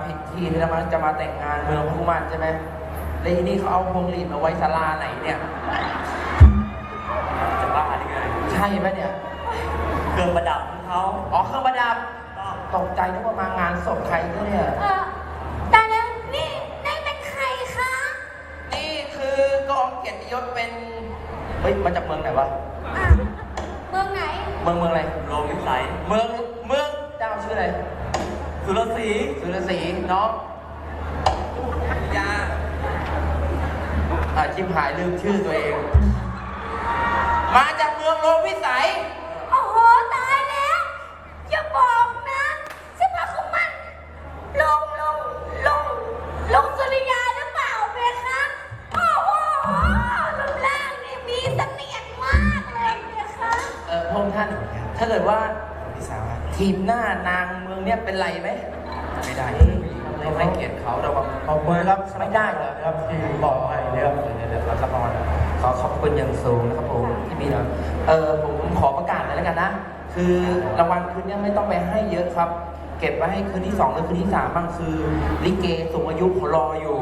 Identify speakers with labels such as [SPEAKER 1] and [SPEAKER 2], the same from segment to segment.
[SPEAKER 1] ผิดที่ที่เราจะมาแต่งงานเมืองพุมันใช่ไหมแล้วทีนี้เขาเอาพวงหลีดมาไว้ศาลาไหนเนี่ย
[SPEAKER 2] จะบ้าได้ไง
[SPEAKER 1] ใช่ไหมเนี่ย
[SPEAKER 2] เครื่องประดับของเขา
[SPEAKER 1] อ๋อเครื่องประดับตกใจนึกว่ามางานศพใครเนี่ย
[SPEAKER 3] แต่แล้วนี่เป็นใครคะ
[SPEAKER 1] นี่คือกองเกียรติยศเป็นเฮ้ยมาจากเมืองไหนวะ
[SPEAKER 3] เมืองไหน
[SPEAKER 1] เมืองอะไร
[SPEAKER 2] โลงวิสัย
[SPEAKER 1] เมืองเจ้าชื่ออะไร
[SPEAKER 2] สุรศรี
[SPEAKER 1] น้องยาชิมหายลืมชื่อตัวเองมาจากเมืองโลงวิสัย
[SPEAKER 3] โอ้โหตายแล้วอย่าบอกนะใช่พระคุมันลงสุริยาหรือเปล่าเบคะโอ้โหรูปร่างนี่มีเสน่ห์มากเลยเบคะ
[SPEAKER 1] พงษ์ท่านถ้าเกิดว่าทีมหน้านางเมืองเนี่ยเป็นไรไหมไม่ได้เราให้เกียรติเขาเราขอบคุณครับไม่ได้เหรอครับที่บอกไปเดี๋ยวรับรางวัลขอขอบคุณอย่างสูงนะครับผมที่มีนะผมขอประกาศเลยแล้วกันนะคือรางวัลคืนนี้ไม่ต้องไปให้เยอะครับเก็บไว้ให้คืนที่2หรือคืนที่3บ้างคือลิเกสูงอายุเขารออยู่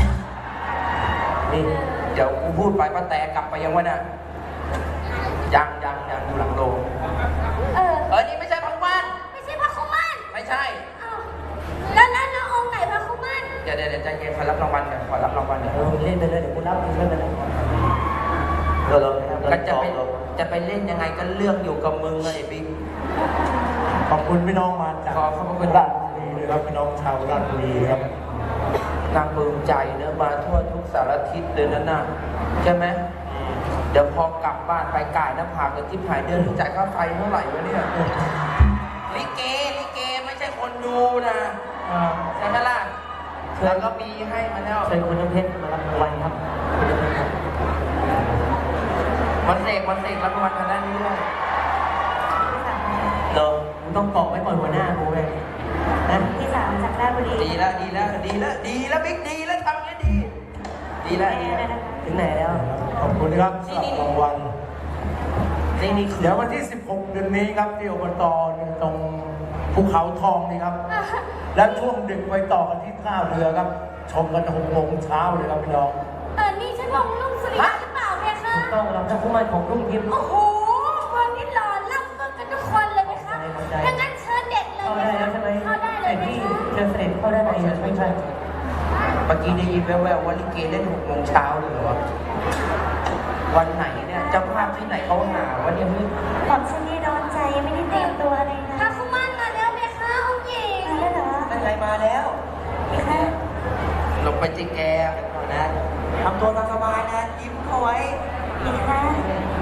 [SPEAKER 1] นี่เดี๋ยวกูพูดไปป้าแต่กลับไปยังวะนะยังอยู่หลังโรงนี่ไม่ใช่พระคุมัน
[SPEAKER 3] ไม่ใช่พระคุมัน
[SPEAKER 1] ไม่ใช่
[SPEAKER 3] แล้วองค์ไหนพระคุมัน
[SPEAKER 1] เดี๋ยวใจเย็นขอรับรางวัลเดี๋ยวเล่นไปเลยเดี๋ยวกูรับเล่นไปเลยก็จะไปเล่นยังไงก็เรื่องอยู่กับมึงเลยบิ๊ก
[SPEAKER 4] ขอบคุณพี่น้องมาจาก
[SPEAKER 1] ขอบคุณ
[SPEAKER 4] ราชบุรีเลยครับพี่น้องชาวราชบุรีครับ
[SPEAKER 1] นางปลื้มใจเนื้อมาทั่วทุกสารทิศเลยนั่นน่ะใช่ไหมเดี๋ยวพอกลับบ้านไปก่ายหน้าผากกับที่หายเดือนจ่ายค่าไฟเท่าไหร่วะเนี่ยลิเกไม่ใช่คนดูนะใช่ไหมล่ะแล้วก็มีให้มาแล้ว
[SPEAKER 4] เชิญคุณน้ำเพชรมารับรางวัลครับ
[SPEAKER 1] วันเสกรับรางวัลทางด้านนี้ด้วย
[SPEAKER 4] มึงต้องเกาะไว้ก่อนหัวหน้ากูเลย
[SPEAKER 3] นะที่3จากราชบุรี
[SPEAKER 1] ดีแล้วบิ๊กดีแล้วทำอย่างนี้ดีแล้ว
[SPEAKER 4] ถึงไหนแล้วขอบคุณครับสำหรับรางวัล
[SPEAKER 1] นี่
[SPEAKER 4] เดี๋ยววันที่16เดือนนี้ครับที่อบตตรงภูเขาทองนี่ครับและช่วงดึกไปต่อกันที่ท่าเรือครับชมกัน6 โมงเช้าเลยครับพี่น้อง
[SPEAKER 3] นี่ใช่ลงลุงสุริยะหรือเปล่าเบคะ
[SPEAKER 4] ถูกต้องเราจะคู่มันของรุ่งทิพย์
[SPEAKER 3] โอ้โหวันนี้หล่อล่ำเมืองกันทุกคนเลยเบคะดังนั้นเชิญเด็กเลย
[SPEAKER 4] เข้าได้แล้วใช่ไหม
[SPEAKER 3] เข้าได้เลยเบคะ
[SPEAKER 4] เชิญเสด็จเข้าได้ไหมไม่ใช่
[SPEAKER 1] เมื่อกี้ได้ยินแว่วๆว่าลิเกเล่น6 โมงเช้าเลยเหรอวันไหนเนี่ยเจ้าภาพที่ไหนเขาหาวันนี้
[SPEAKER 3] ผมฉันนี่ร้อนใจไม่ได้เตรียมตัวเลยนะพระคุมันมาแล้วเบคะองค์หญิงมาแล้วเหรอ
[SPEAKER 1] นั่นไงมาแล้ว
[SPEAKER 3] เบคะ
[SPEAKER 1] ลงไปจิแกก่อนนะ
[SPEAKER 2] ทำตัวตามสบายนะยิ้มเข้าไว้
[SPEAKER 3] เบคะ